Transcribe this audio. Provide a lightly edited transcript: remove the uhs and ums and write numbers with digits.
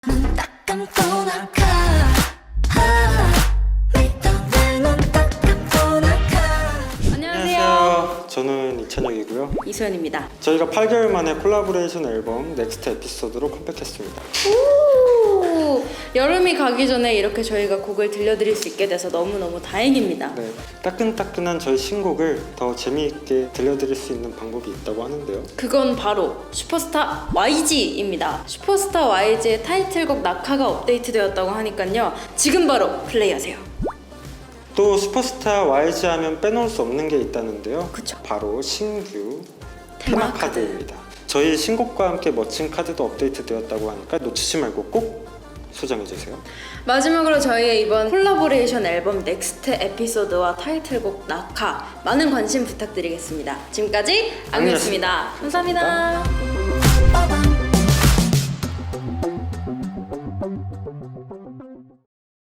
딱 감고 나가 믿던 내눈 딱 감고 나가. 안녕하세요. 저는 이찬혁이고요. 이소연입니다. 저희가 8개월 만에 콜라보레이션 앨범 넥스트 에피소드로 컴백했습니다. 오, 여름이 가기 전에 이렇게 저희가 곡을 들려드릴 수 있게 돼서 너무너무 다행입니다. 네, 따끈따끈한 저희 신곡을 더 재미있게 들려드릴 수 있는 방법이 있다고 하는데요. 그건 바로 슈퍼스타 YG입니다. 슈퍼스타 YG의 타이틀곡 낙하가 업데이트되었다고 하니까요. 지금 바로 플레이하세요. 또 슈퍼스타 YG 하면 빼놓을 수 없는 게 있다는데요. 그쵸. 바로 신규 테마 테마카드입니다. 저희 신곡과 함께 멋진 카드도 업데이트 되었다고 하니까 놓치지 말고 꼭 소장해주세요. 마지막으로 저희의 이번 콜라보레이션 앨범 넥스트 에피소드와 타이틀곡 낙하 많은 관심 부탁드리겠습니다. 지금까지 악뮤였습니다. 감사합니다.